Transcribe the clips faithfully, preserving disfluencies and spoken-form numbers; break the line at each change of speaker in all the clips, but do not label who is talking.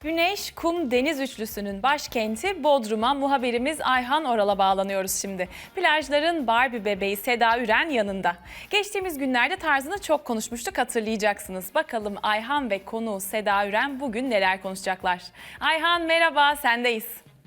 Güneş, kum, deniz üçlüsünün başkenti Bodrum'a muhabirimiz Ayhan Oral'a bağlanıyoruz şimdi. Plajların Barbie bebeği Seda Üren yanında. Geçtiğimiz günlerde tarzını çok konuşmuştuk, hatırlayacaksınız. Bakalım Ayhan ve konuğu Seda Üren bugün neler konuşacaklar? Ayhan merhaba, sendeyiz.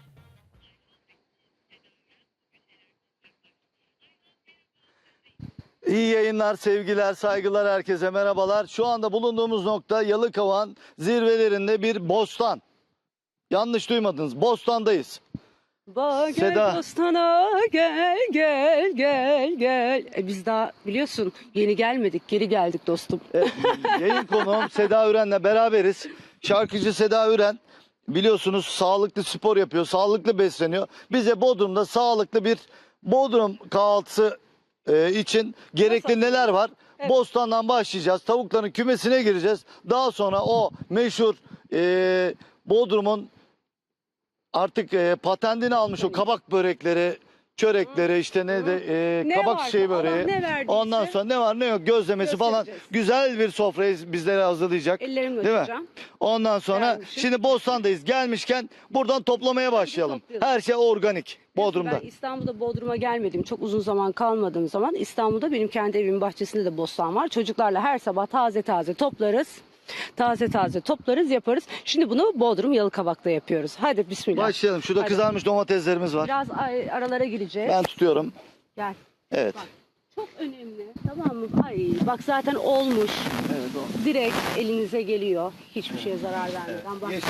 İyi yayınlar, sevgiler, saygılar herkese merhabalar. Şu anda bulunduğumuz nokta Yalıkavak'ın zirvelerinde bir bostan. Yanlış duymadınız, bostandayız.
Ba, gel
Seda.
Bostana gel gel gel gel. E biz daha biliyorsun yeni gelmedik, geri geldik dostum.
Evet, yayın konuğum Seda Üren'le beraberiz. Şarkıcı Seda Üren biliyorsunuz sağlıklı spor yapıyor, sağlıklı besleniyor. Bize Bodrum'da sağlıklı bir Bodrum kahvaltısı e, için gerekli neler var?
Evet.
Bostandan başlayacağız. Tavukların kümesine gireceğiz. Daha sonra o meşhur e, Bodrum'un artık e, patentini almış o kabak börekleri, çörekleri, işte ne de e,
Ne
kabak
varsa,
şeyi
Allah
böreği.
ne verdiyse
Ondan sonra ne var ne yok gözlemesi falan,
göstereceğiz.
güzel bir sofrayı bizlere hazırlayacak.
Ellerimi
Değil mi?
öpeceğim.
Ondan sonra
Gelmişim.
şimdi Bostan'dayız. Gelmişken buradan toplamaya başlayalım.
toplayalım.
Her şey organik Bodrum'da.
Ben İstanbul'da Bodrum'a gelmedim. Çok uzun zaman kalmadığım zaman İstanbul'da benim kendi evimin bahçesinde de bostan var. Çocuklarla her sabah taze taze toplarız. Taze taze toplarız, yaparız. Şimdi bunu Bodrum Yalıkavak'ta yapıyoruz. Hadi bismillah.
Başlayalım. Şurada
Hadi.
kızarmış domateslerimiz var.
Biraz ay- aralara gireceğiz.
Ben tutuyorum.
Gel.
Evet.
Bak, çok önemli. Tamam mı? Ay bak zaten olmuş.
Evet o.
Direkt elinize geliyor. Hiçbir şeye zarar vermeden. Bak.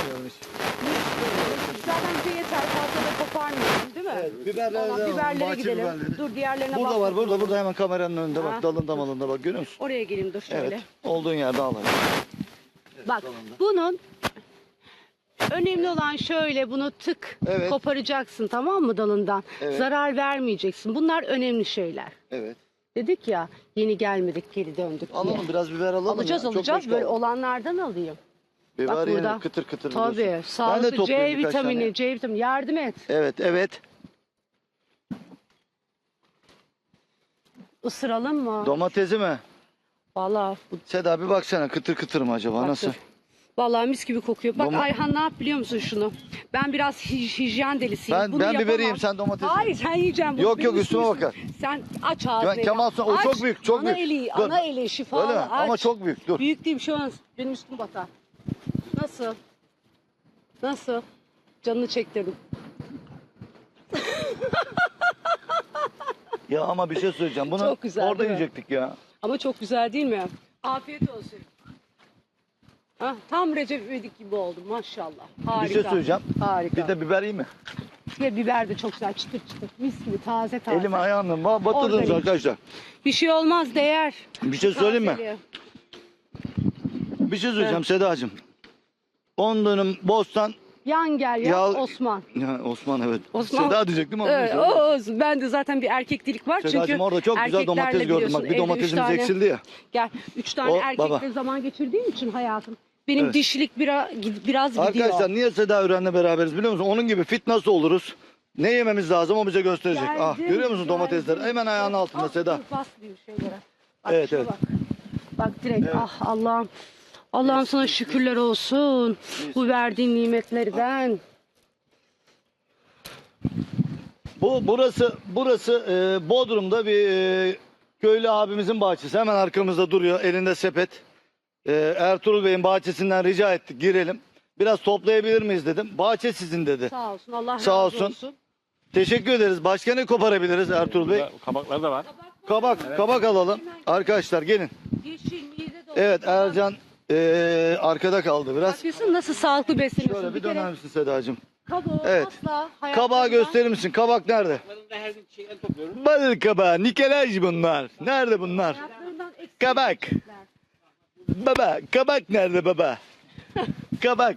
Zaten bize yeter. Fazla da koparmıyorum değil mi?
Evet, biberlere
Tamam,
de alalım,
biberlere
bahçe
gidelim.
biberleri.
Dur diğerlerine
Burada
bak.
var, burada, burada hemen kameranın önünde bak,
Ha.
dalında malında bak, görüyor musun?
Oraya geleyim dur şöyle.
Evet, olduğun yerde alalım.
Bak bunun önemli olan şöyle, bunu tık
Evet.
koparacaksın, tamam mı, dalından?
Evet.
Zarar vermeyeceksin. Bunlar önemli şeyler.
Evet.
Dedik ya yeni gelmedik geri döndük diye.
Alalım biraz biber alalım.
Alacağız
ya. Çok
alacağız
boş
böyle
kaldı.
olanlardan alayım.
Biber
Bak
yeni
burada.
kıtır kıtır
Tabii
biliyorsun. Ben de
sağlıklı
toplayayım
C
birkaç
vitamini,
tane.
C vitamini yardım et.
Evet, evet.
Isıralım mı?
Domatesi mi?
Vallahi bu
Seda bir baksana, kıtır kıtır mı acaba,
Bak
nasıl?
dur. Vallahi mis gibi kokuyor. Bak
Doma-
Ayhan ne yap biliyor musun şunu? Ben biraz hij- hijyen delisiyim.
Ben-
Bunu
ben
yapamam.
biberiyim, sen domatesi.
Hayır sen yiyeceksin. Bu
Yok,
benim
yok, üstüme
üstüme-
bakar.
Sen aç ağzını.
Ben- Kemal Sunal, o
Aç.
çok büyük, çok
ana
büyük.
Eli,
Dur.
ana eli şifalı
Öyle mi?
aç.
Ama çok büyük, dur.
Büyük değil bir şey olmaz. Benim üstüm batar. Nasıl? Nasıl? Canını çektirdim.
Ya ama bir şey söyleyeceğim. Bunu
Çok güzel,
orada
değil mi?
yiyecektik ya.
Ama çok güzel değil mi? Afiyet olsun. Hah, tam Recep İvedik gibi oldum maşallah. Harika.
Bir şey söyleyeceğim.
Harika.
Bir de biber iyi mi?
Ve biber de çok güzel çıtır çıtır. Mis gibi taze taze.
Elim ayağımla ba- batırdınız
Organik.
arkadaşlar.
Bir şey olmaz, değer.
Bir şey söyleyeyim mi?
Tazeliği.
Bir şey söyleyeceğim Sedacığım. on dönüm bostan.
Yan gel ya,
Ya-
Osman.
Ya Osman evet.
Osman.
Seda diyecektim ama.
Evet,
neyse.
o olsun. Ben de zaten bir erkeklik var
Sedacığım
çünkü
orada çok güzel
erkeklerle
domates gördüm. Bak
biliyorsun,
bir
evde üç
domatesimiz
tane-
eksildi ya.
Gel, üç tane
O,
erkekle
baba.
zaman geçirdiğim için hayatım. Benim
Evet.
dişilik biraz, biraz gidiyor.
Arkadaşlar niye Seda Üren'le beraberiz biliyor musun? Onun gibi fit nasıl oluruz? Ne yememiz lazım o bize gösterecek.
Geldim,
ah görüyor musun
geldim.
domatesleri? Hemen ayağının altında
Ah,
Seda.
dur, basmayayım şeylere. Bak,
Evet,
şuna
evet.
Bak. Bak direkt ah Allah'ım. Allah'ım sana şükürler olsun. Bu verdiğin nimetlerden.
Bu burası burası e, Bodrum'da bir e, köylü abimizin bahçesi. Hemen arkamızda duruyor elinde sepet. E, Ertuğrul Bey'in bahçesinden rica ettik girelim. Biraz toplayabilir miyiz dedim. Bahçe sizin dedi.
Sağ olsun, Allah
Sağ
razı
olsun.
olsun.
Teşekkür ederiz. Başka ne koparabiliriz Ertuğrul Bey?
Kabaklar da var.
Kabak, kabak alalım. Arkadaşlar gelin.
Yeşil, mide dolu.
Evet Ercan e, arkada kaldı biraz.
Bakıyorsun nasıl sağlıklı besleniyorsun.
Şöyle bir
kere
döner misin Sedacığım?
kabuğu
Evet.
asla
Kabağı
hayatımda-
gösterir misin? Kabak nerede?
Kabaklarını da her gün şeyden topluyorum.
Balık kabağı, nikelaj bunlar. Nerede bunlar?
hayatlarından eksik
Kabak.
yiyecekler.
Baba, kabak nerede baba? Kabak.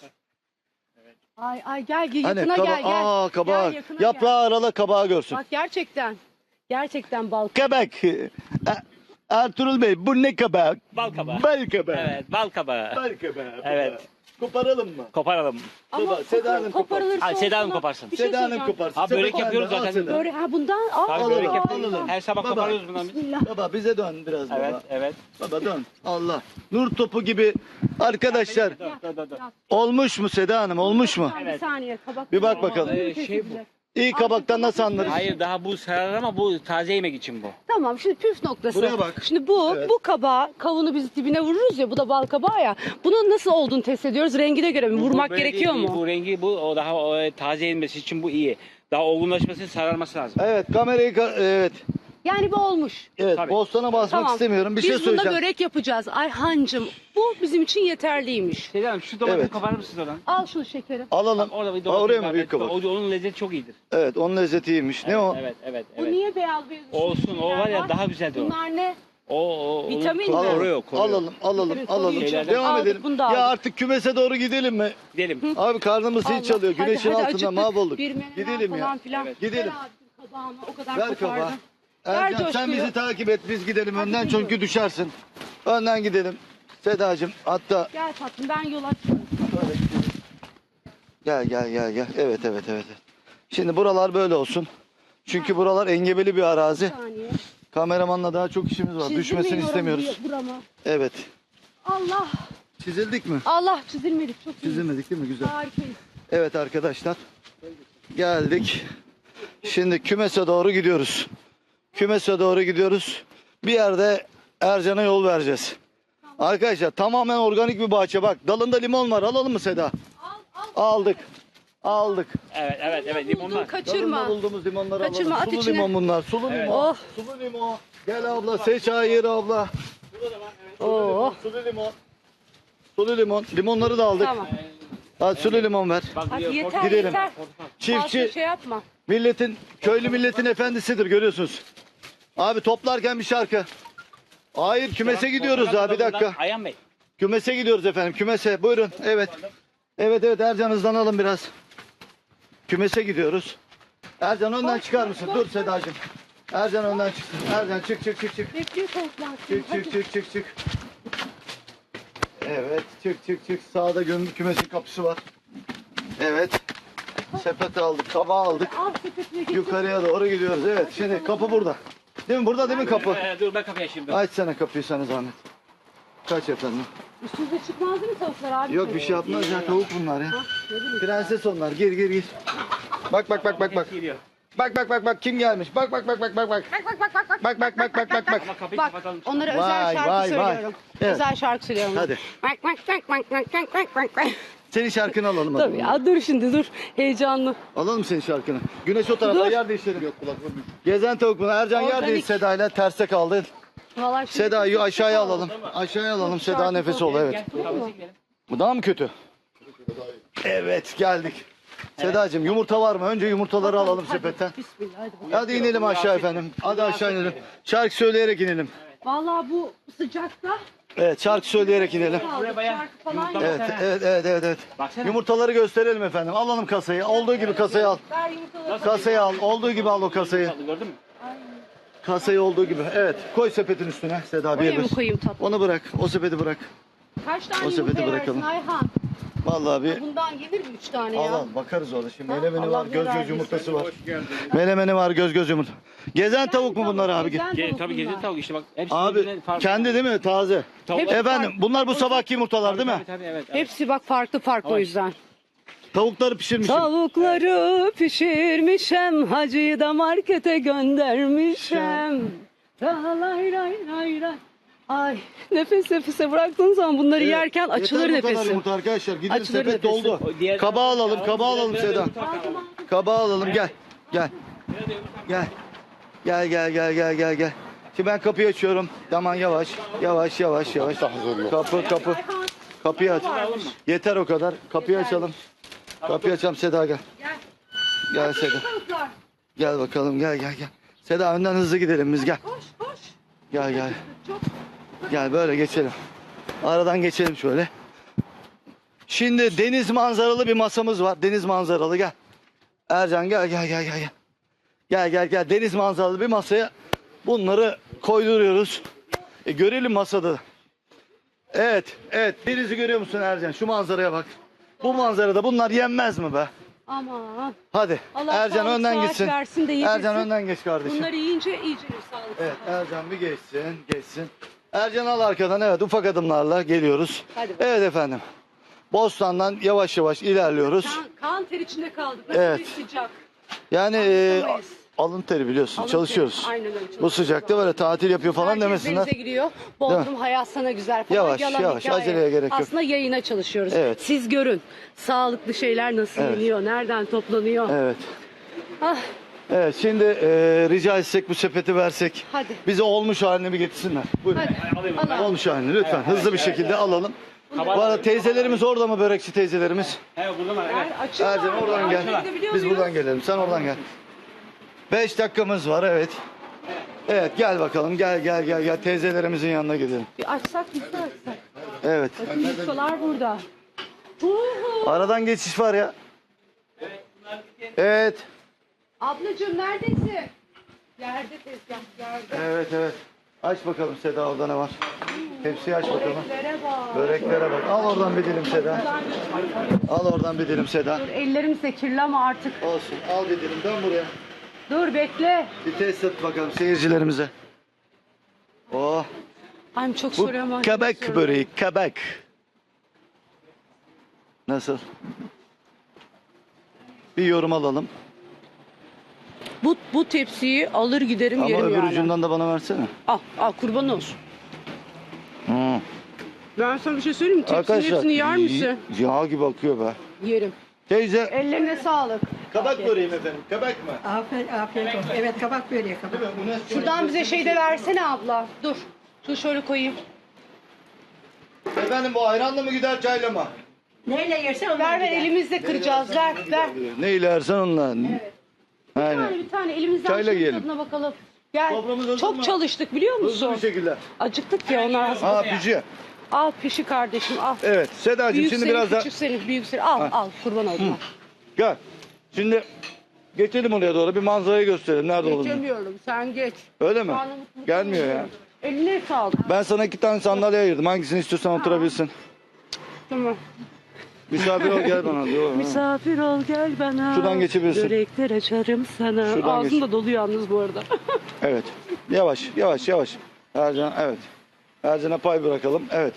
Ay ay gel gel
Hani
yakına
kaba
gel gel.
Aa kabak.
Gel, yakına
Yaprağı arala kabağı görsün.
gel. Bak gerçekten. Gerçekten bal.
Kabak. E- Ertuğrul Bey bu ne kabak?
Bal kabağı.
Bal kabağı.
Evet, bal kabağı.
Bal kabağı.
Evet.
Koparalım mı?
Koparalım.
Ama
Baba, Seda Hanım
koparılırsa
Hadi Seda Hanım
olsa-
koparsın.
Bir şey
Seda Hanım
söyleyeceğim.
koparsın.
Abi, börek
Sepet
yapıyoruz
bende, al
zaten.
Seda.
Böyle ha bundan al.
Tabii
Alalım,
börek yapıyoruz.
alalım.
Her sabah
Baba.
koparıyoruz bundan biz.
Bismillah.
Baba bize dön biraz
Evet,
baba.
evet.
Baba dön. Allah. Nur topu gibi arkadaşlar.
Dur, dur, dur, dur.
Olmuş mu Seda Hanım? Olmuş mu?
Bir saniye kabak.
Bir bak bakalım.
Ee, şey bu.
İyi kabaktan nasıl anlarız?
Hayır, daha bu sarar ama bu taze yemek için bu.
Tamam şimdi püf noktası.
Buraya bak.
Şimdi bu
Evet.
bu kabağı kavunu biz dibine vururuz ya bu da bal kabağı ya. Bunun nasıl olduğunu test ediyoruz. Rengine göre mi?
Bu-
Vurmak
bu böyle
gerekiyor
değil,
mu?
Bu rengi bu o daha o, taze yenmesi için bu iyi. Daha olgunlaşması, sararması lazım.
Evet kamerayı ka- evet.
Yani bu olmuş.
Evet
Tabii.
bostana basmak
Tamam.
istemiyorum. Bir
biz
şey söyleyeceğim.
bunda börek yapacağız. Ayhancığım bu bizim için yeterliymiş.
Seda Hanım şu domatesi
Evet.
koparır mısınız oradan?
Al şunu şekerim.
Alalım.
Orada bir
Aa,
domates
oraya mı
var.
büyük kabak?
O, onun lezzeti çok iyidir.
Evet onun lezzeti iyiymiş. Ne
evet,
o?
Evet, evet,
Bu
evet.
niye beyaz beyaz?
Olsun, o var ya, daha güzeldi o.
Bunlar ne?
O, o,
Vitamin
onu
mi?
koruyor, koruyor.
Alalım, alalım,
Vitamin
alalım.
koruyor.
Şeylerden-
Devam
Aldık,
edelim.
bunu da
Ya
aldık.
artık kümese doğru gidelim mi?
Gidelim.
Abi karnımız zil
Allah.
çalıyor.
Hadi,
Güneşin
hadi,
altında
acıktık.
mahvolduk.
Bir menemen
Gidelim ya.
falan filan.
Evet.
Gidelim.
Ver abi kabağını, o kadar
Ver kabağı.
kopardın. Ver
Ercan sen
coşkuyu.
bizi takip et. Biz gidelim önden
gidiyorum.
çünkü düşersin. Önden gidelim. Sedacığım hatta
Gel tatlım ben yol açıyorum.
gel gel gel gel. Evet evet evet. Şimdi buralar böyle olsun. Çünkü buralar engebeli bir arazi.
Bir saniye.
Kameramanla daha çok işimiz var.
Çizdirmeyin
Düşmesini
oranı
istemiyoruz.
diye Buramı.
Evet.
Allah.
Çizildik mi?
Allah çizilmedik. Çok iyi.
Çizilmedik değil mi? Güzel.
Harikayız.
Evet arkadaşlar. Geldik. Şimdi kümese doğru gidiyoruz. Kümese doğru gidiyoruz. Bir yerde Ercan'a yol vereceğiz. Arkadaşlar tamamen organik bir bahçe. Bak dalında limon var. Alalım mı Seda?
Al al.
Aldık. Aldık.
Evet, evet, evet.
Buldum,
Limon var.
kaçırma.
Dalında bulduğumuz limonları
Kaçırma,
alalım.
at
Sulu
içine.
limon bunlar. Sulu
Evet.
limon.
Oh.
Sulu limon. Gel abla seç hayır abla.
Oo.
Sulu limon. Sulu limon. Limonları da aldık.
Tamam.
Hadi sulu limon ver.
Bak,
Hadi
diyor,
yeter
portakal-
Gidelim.
yeter.
Çiftçi
Fazla şey yapma.
milletin, köylü milletin efendisidir görüyorsunuz. Abi toplarken bir şarkı. Hayır kümese gidiyoruz
Portakal
daha bir dakika.
buradan. Ayhan Bey.
Kümese gidiyoruz efendim kümese buyurun evet. Evet evet Ercan hızlanalım biraz. Kümese gidiyoruz. Ercan önden çıkar mısın? Dur Sedacığım. Ercan önden çıksın. Ercan çık çık çık çık.
Bekliyor toplar.
Çık çık çık çık çık. Evet çık çık çık. Sağda gömülü kümesin kapısı var. Evet. Sepet aldık, kabağı aldık.
Al sepetine git.
Yukarıya doğru gidiyoruz. Evet şimdi kapı burada. Değil mi? Burada değil mi kapı?
Ee, dur ben kapıyı açayım. Dur.
Açsana kapıyı sana zahmet. Kaç efendim?
Üstünüze çıkmaz değil mi tavuklar abi?
Yok bir şey yapmaz ya tavuk bunlar ya.
Ha, ne bileyim.
Prenses onlar. Gir gir gir. Bak bak bak bak bak.
Geliyor.
Bak bak bak bak kim gelmiş? Bak bak bak bak bak bak.
Bak bak bak bak bak.
Bak bak bak bak bak bak.
Ama kapıyı
Bak
kapatalım.
onlara
Vay,
özel şarkı
vay, vay.
söylüyorum.
Evet.
Özel şarkı söylüyorum.
Hadi.
Bak bak bak bak bak bak bak bak bak.
Senin şarkını alalım. hadi.
Tabii ya dur şimdi dur. Heyecanlı.
Alalım senin şarkını. Güneş o tarafta
Dur.
yer değiştirelim. Yok kulaklığı. Gezen tavuk bunu. Ercan yer
Organik.
değil Seda'yla terse kaldı.
Vallahi şimdi-
Seda'yı aşağıya alalım. Aşağıya alalım. Seda
şarkı
nefes ol evet.
Gel, kapısı gidelim.
Bu daha mı kötü? Evet geldik. Sedacığım yumurta var mı? Önce yumurtaları alalım sepetten.
Bismillah hadi bakalım.
Hadi inelim aşağı efendim. Hadi aşağı inelim. Şarkı söyleyerek inelim.
Vallahi bu sıcakta
Evet şarkı söyleyerek inelim.
kaldık.
bayağı
Şarkı falan
yumurta
yok.
Evet evet evet evet. evet.
Baksana.
Yumurtaları gösterelim efendim. Alalım kasayı. Olduğu gibi kasayı al.
Ver yumurtaları.
Kasayı al. Olduğu gibi al o kasayı.
Gördün mü?
Kasayı olduğu gibi. Evet. Koy sepetin üstüne Seda bir
Oraya mı
bir.
koyayım tatlım?
Onu bırak. O sepeti bırak.
Kaç tane
o sepeti
yumurta
bırakalım.
versin Ayhan?
Vallahi bir
Bundan gelir mi üç tane
al
ya?
al bakarız orada. Şimdi
Ha?
melemeni
Allah
var, göz
bilir
göz yumurtası var.
geldin.
Melemeni var, göz göz yumurta. Gezen tavuk mu bunlar abi?
Gezen
Ge
tavuk
tabii
bunlar.
gezi tavuk işte bak. Hepsi
Abi
birbirinden farklı.
kendi değil mi? Taze.
Tavuk-
Hepsi
Efendim
farklı.
bunlar bu sabahki yumurtalar değil mi?
Tabii tabii evet. evet.
Hepsi bak farklı farklı o yüzden.
Tavukları pişirmişim.
Tavukları pişirmişem, hacıyı da markete göndermişem. Lay lay lay lay. Ay nefes nefese bıraktığın zaman bunları
Evet.
yerken açılır
Yeter bu kadar
nefesi.
yumurta arkadaşlar. Gidelim
Açılır
sepet
nefesi.
doldu.
O diğer-
Kabağı alalım, kabağı alalım
Biraz-
Seda.
biraz bakalım.
Kabağı alalım gel. Gel. Gel. Gel gel gel gel gel gel. Şimdi ben kapıyı açıyorum. Tamam yavaş. Yavaş yavaş yavaş. Kapı kapı. Kapıyı aç. Yeter o kadar. Kapıyı açalım. Kapıyı açalım Seda gel.
Gel.
Gel Seda.
Tavuklar.
Gel bakalım gel gel gel. Seda önden hızlı gidelim biz gel.
Koş koş.
Gel gel.
Çok.
Gel böyle geçelim. Aradan geçelim şöyle. Şimdi deniz manzaralı bir masamız var. Deniz manzaralı gel. Ercan gel gel gel gel. Gel gel gel. gel. Deniz manzaralı bir masaya bunları koyduruyoruz. E, görelim masada. Evet, evet. Denizi görüyor musun Ercan? Şu manzaraya bak. Bu manzarada bunlar yenmez mi be?
Aman.
Hadi.
Allah
Ercan
sağlık,
önden
sıhhat
gitsin.
versin de yedirsin.
Ercan önden geç kardeşim.
Bunları yiyince iyice bir sağlık.
Evet, Ercan bir geçsin, geçsin. Ercan al arkadan, evet, ufak adımlarla geliyoruz.
Hadi bakalım.
Evet efendim. Bostan'dan yavaş yavaş ilerliyoruz.
Kan, kan ter içinde kaldık. Burası
Evet.
bir sıcak.
Yani e,
Anlatamayız.
alın teri biliyorsun,
Alın
çalışıyoruz.
teri, aynen öyle, çalışıyoruz.
Bu sıcakta böyle tatil yapıyor falan
Herkes
demesinler.
denize giriyor. Bodrum hayat sana güzel falan.
Yavaş,
Yalan
yavaş,
hikaye.
aceleye gerek yok.
Aslında yayına çalışıyoruz.
Evet.
Siz görün. Sağlıklı şeyler nasıl
Evet.
yeniyor, nereden toplanıyor.
Evet.
Ah,
Evet, şimdi e, rica etsek bu sepeti versek.
Hadi.
Bize olmuş halini bir getirsinler. Buyurun.
hadi. Allah.
Olmuş halini lütfen hızlı bir şekilde alalım. Bu arada teyzelerimiz orada mı, börekçi teyzelerimiz?
He buradan var evet.
Er, açın
Ercan
var.
oradan gel.
Yardım edebiliyor
Biz
muyuz?
buradan gelelim. Sen oradan gel. Beş dakikamız var, evet. Evet, gel bakalım. Gel gel gel gel. Teyzelerimizin yanına gidelim.
Bir açsak biz de açsak.
Evet.
Bakın ustalar burada. Huhu.
Aradan geçiş var ya. Evet.
Ablacığım neredesin? Yerde tezgah, yerde.
Evet evet. Aç bakalım Seda, orada ne var? Hepsi aç bakalım.
Böreklere bak.
Böreklere bak. Al oradan bir dilim Seda. Al oradan bir dilim Seda.
Dur, ellerimiz de kirli ama artık.
Olsun. Al bir dilim. Dön buraya.
Dur bekle.
Bir test et bakalım seyircilerimize. Oh.
Ay çok
Bu
soruyorum. ama
kabak
soruyorum.
böreği. Kabak. Nasıl? Bir yorum alalım.
Bu, bu tepsiyi alır giderim
Ama
yerim
öbür
yani.
ucundan da bana versene.
Al, al kurban olsun.
Hı.
Ben sana bir şey söyleyeyim mi? Tepsinin
Arkadaşlar
hepsini yer misin?
y- yağ gibi akıyor be.
Yerim.
Teyze
Ellerine sağlık.
kabak böreğim efendim. Kabak mı?
Afiyet, afiyet olsun. Evet kabak böreği kabak.
Değil mi? Bu ne?
Şuradan bize şey de versene abla. Dur. Dur şöyle koyayım.
Efendim bu ayranla mı gider çayla mı?
Neyle yersen onunla
Ver ver
gider.
elimizle kıracağız. Ver ver.
Ne ilersen onunla.
Bir
Aynen.
tane bir tane elimizden
Çayla
şunun
yiyelim.
tadına bakalım. Gel.
Soframız hazır
Çok
mı?
çalıştık biliyor
Hızlı
musun?
bir şekilde.
Acıktık ya onlar hazır.
Aa pişiyor.
Al pişi kardeşim al.
Evet Sedacığım
Büyük
şimdi
senin,
biraz daha
küçük senin, büyük senin. Al al kurban oldum.
gel. Şimdi geçelim oraya doğru bir manzarayı gösterelim. Nerede olduğunu.
Geçemiyorum sen geç.
Öyle mi?
Karnım mutlu
Gelmiyor ya.
Eline sağlık.
Ben sana iki tane sandalye ayırdım. Hangisini istiyorsan oturabilirsin.
Tamam.
Misafir ol gel bana diyor. Ha.
Misafir ol gel bana.
Şuradan geçebilirsin.
Börekler açarım sana.
Şuradan
Ağzım
geç.
da dolu yalnız bu arada.
Evet. Yavaş yavaş yavaş. Ercan evet. Ercan'a pay bırakalım. Evet.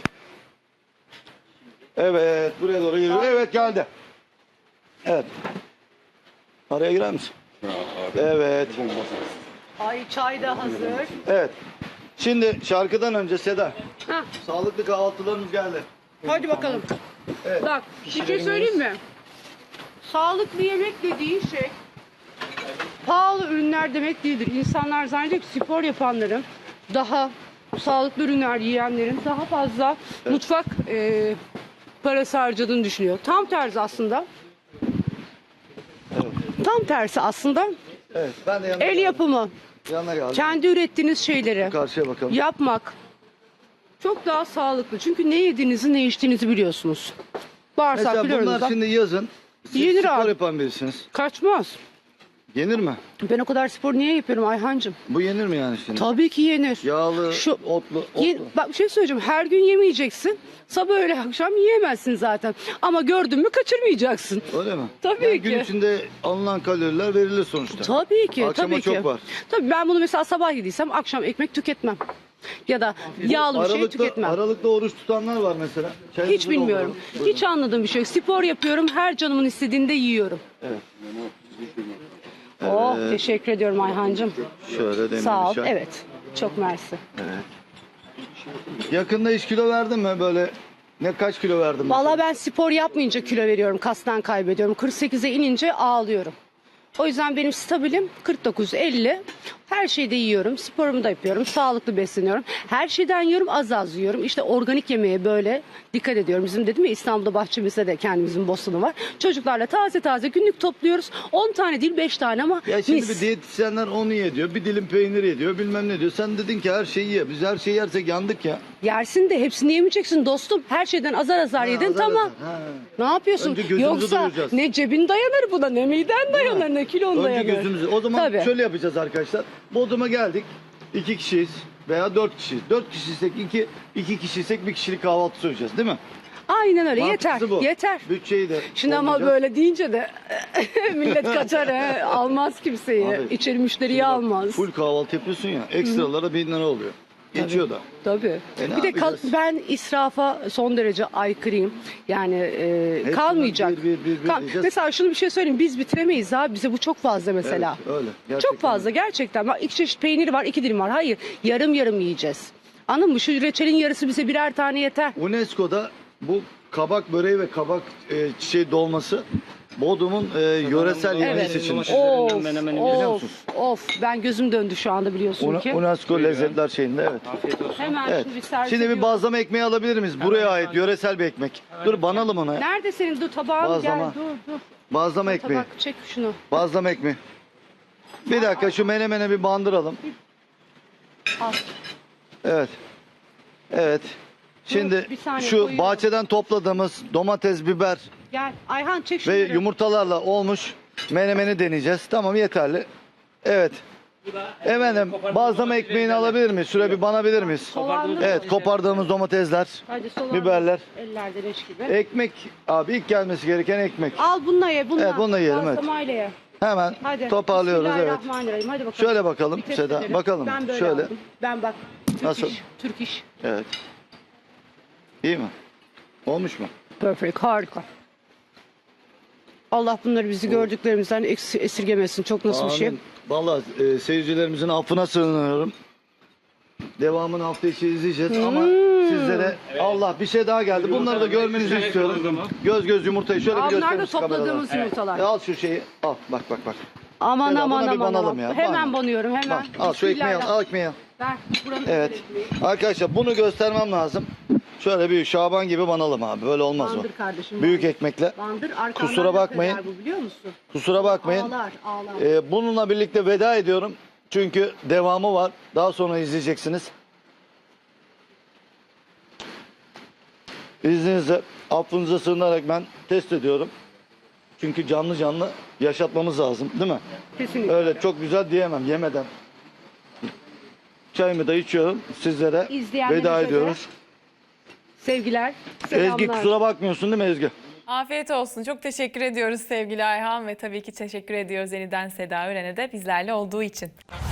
Evet buraya doğru geliyor. Evet geldi. Evet. Araya girer misin? Evet.
Ay çay da hazır.
Evet. Şimdi şarkıdan önce Seda.
Hah,
Sağlıklı kahvaltılarımız geldi.
hadi bakalım.
Evet.
Bak bir şey söyleyeyim mi? Sağlıklı yemek dediğin şey pahalı ürünler demek değildir. İnsanlar zannediyor ki spor yapanların daha sağlıklı ürünler yiyenlerin daha fazla mutfak e, parası harcadığını düşünüyor. Tam tersi aslında. Tam tersi aslında
Evet. Ben de yanına,
el yapımı,
yanına geldim.
kendi ürettiğiniz şeyleri
Karşıya bakalım.
yapmak çok daha sağlıklı. Çünkü ne yediğinizi ne içtiğinizi biliyorsunuz. Bağırsak
Mesela
biliyoruz
bunlar
da.
şimdi yazın. Siz
Yenir
spor
abi.
yapan birisiniz.
Kaçmaz.
Yenir mi?
Ben o kadar spor niye yapıyorum Ayhancığım?
Bu yenir mi yani şimdi?
Tabii ki yenir.
Yağlı,
Şu-
otlu, otlu.
Ye- bak bir şey söyleyeceğim. Her gün yemeyeceksin. Sabah öğle akşam yiyemezsin zaten. Ama gördün mü kaçırmayacaksın.
Öyle mi?
Tabii
yani Gün
ki.
içinde alınan kaloriler verilir sonuçta.
Tabii ki.
Akşama
tabii
çok
ki.
var.
Tabii ben bunu mesela sabah yediysem akşam ekmek tüketmem. Ya da yağlı bir şey
Aralıkta,
tüketmem.
aralıkta oruç tutanlar var mesela. Çayınızı
Hiç bilmiyorum.
doldurun. Buyurun.
Hiç anladığım bir şey yok. Spor yapıyorum. Her canımın istediğini de yiyorum.
Evet.
Oh teşekkür ediyorum Ayhancığım.
Şöyle demir
Sağ ol.
çay.
Evet. Çok mersi.
Yakında hiç kilo verdin mi böyle? Ne kaç kilo verdin? mesela?
Vallahi ben spor yapmayınca kilo veriyorum. Kastan kaybediyorum. kırk sekize inince ağlıyorum. O yüzden benim stabilim kırk dokuz elli. Her şeyde yiyorum. Sporumu da yapıyorum. Sağlıklı besleniyorum. Her şeyden yiyorum. Az az yiyorum. İşte organik yemeğe böyle dikkat ediyorum. Bizim dedim ya İstanbul'da bahçemizde de kendimizin bostanı var. Çocuklarla taze taze günlük topluyoruz. on tane değil beş tane ama
Ya şimdi
mis.
bir diyetisyenler onu ye diyor. Bir dilim peynir ye diyor. Bilmem ne diyor. Sen dedin ki her şeyi ye. Biz her şeyi yersek yandık ya.
Yersin de hepsini yemeyeceksin dostum. Her şeyden azar azar yedin
azar
tamam.
azar, ha.
Ne yapıyorsun?
Önce gözümüzü
Yoksa
doyuracağız.
ne cebin dayanır buna ne miden dayanır ne kilon
Önce
dayanır.
gözümüzü. O zaman
Tabii.
şöyle yapacağız arkadaşlar. Bodrum'a geldik. İki kişiyiz. veya dört kişi. Dört kişiysek iki, iki kişiysek bir kişilik kahvaltı söyleyeceğiz değil mi?
Aynen öyle, yeter,
Mantıklısı bu.
yeter.
Bütçeyi de
Şimdi ama
olmayacak.
böyle deyince de millet kaçar he, almaz kimseyi.
Abi,
İçeri müşteriyi
Şimdi bak,
almaz.
Full kahvaltı yapıyorsun ya, ekstralara bin lira oluyor. Geçiyor da.
Tabii.
E ne
bir de kal-
yapacağız?
ben israfa son derece aykırıyım. Yani e,
Hepsinden
kalmayacak.
bir, bir, bir, bir
Kal-
diyeceğiz.
mesela şunu bir şey söyleyeyim. Biz bitiremeyiz abi. Bize bu çok fazla mesela.
Evet, öyle. Gerçekten
Çok fazla gerçekten. Bak iki çeşit peynir var, iki dilim var. Hayır, yarım yarım yiyeceğiz. Anladın mı? Şu reçelin yarısı bize birer tane yeter.
UNESCO'da bu kabak böreği ve kabak e, çiçeği dolması Bodrum'un e, yöresel yemeği
Evet.
seçilmiş.
Domates-
Of,
menemeni
biliyor
of,
musun?
of. Ben gözüm döndü şu anda biliyorsun
Una-
ki.
UNESCO lezzetler şeyinde evet.
Afiyet olsun.
Hemen
Evet.
şimdi bir servis
Şimdi bir
ediyorum.
bazlama ekmeği alabilir miyiz? Buraya ait yöresel bir ekmek. Dur banalım ona. ya.
Nerede senin dur tabağın?
Bazlama.
Gel dur dur.
Bazlama ekmeği.
Tabak çek şunu.
Bazlama ekmeği. Bir dakika şu menemene bir bandıralım.
Al.
Evet. Evet. Şimdi
bir saniye,
şu
koyuyorum.
bahçeden topladığımız domates, biber
Gel. Ayhan çek
ve
şunları.
yumurtalarla olmuş menemeni deneyeceğiz. Tamam yeterli. Evet. Efendim bazlama ekmeğini alabilir miyiz? Şuraya bir banabilir miyiz?
Soğanlı mı?
Evet kopardığımız domatesler,
Hadi soğan.
biberler.
Ellerde leş gibi.
Ekmek abi ilk gelmesi gereken ekmek.
Al bununla ye bununla.
Evet, bununla yiyelim, evet.
Bazlamayla ye.
Hemen
Hadi.
toparlıyoruz evet.
Bismillahirrahmanirrahim. Hadi bakalım.
Şöyle bakalım
Bir test
Seda,
edelim.
bakalım.
Ben böyle
Şöyle.
aldım. Ben bak. Türk
Nasıl?
iş. Türk iş.
Evet. İyi mi? Olmuş mu?
Perfect. Harika. Allah bunları bizi gördüklerimizden eks- esirgemesin. Çok nasıl bir şey.
Amin. Vallahi e, seyircilerimizin affına sığınıyorum. Devamını hafta içi izleyeceğiz ama
Hmm.
sizlere Allah bir şey daha geldi. Bunları da görmenizi
Güzel
istiyorum.
kavurma.
Göz göz yumurtayı şöyle
Aa,
bir
bunlar da
gösterin şu kameralara.
topladığımız yumurtalar.
E, al şu şeyi. Al bak bak bak.
Aman
Seda,
aman
buna bir
aman
banalım
aman.
ya,
Hemen
bana.
banıyorum hemen.
Bak, al şu ekmeği al,
Bismillah.
al ekmeği al.
Ver. Buranın
Evet.
ekmeği.
Arkadaşlar bunu göstermem lazım. Şöyle bir Şaban gibi banalım abi. Böyle olmaz o.
Bandır kardeşim.
Büyük
bandır.
ekmekle.
Bandır arkandan
Kusura
laf
bakmayın.
eder bu, biliyor musun?
Kusura bakmayın.
Ağlar ağlar.
Ee, bununla birlikte veda ediyorum. Çünkü devamı var. Daha sonra izleyeceksiniz. İzninizle affınıza sığınarak ben test ediyorum. Çünkü canlı canlı yaşatmamız lazım değil mi?
Kesinlikle.
Öyle çok güzel diyemem yemeden. Çayımı da içiyorum. Sizlere
İzleyenlerimize
veda
de
ediyoruz.
Sevgiler. Selamlar.
Ezgi kusura bakmıyorsun değil mi Ezgi?
Afiyet olsun. Çok teşekkür ediyoruz sevgili Ayhan ve tabii ki teşekkür ediyoruz yeniden Seda Üren'e de bizlerle olduğu için.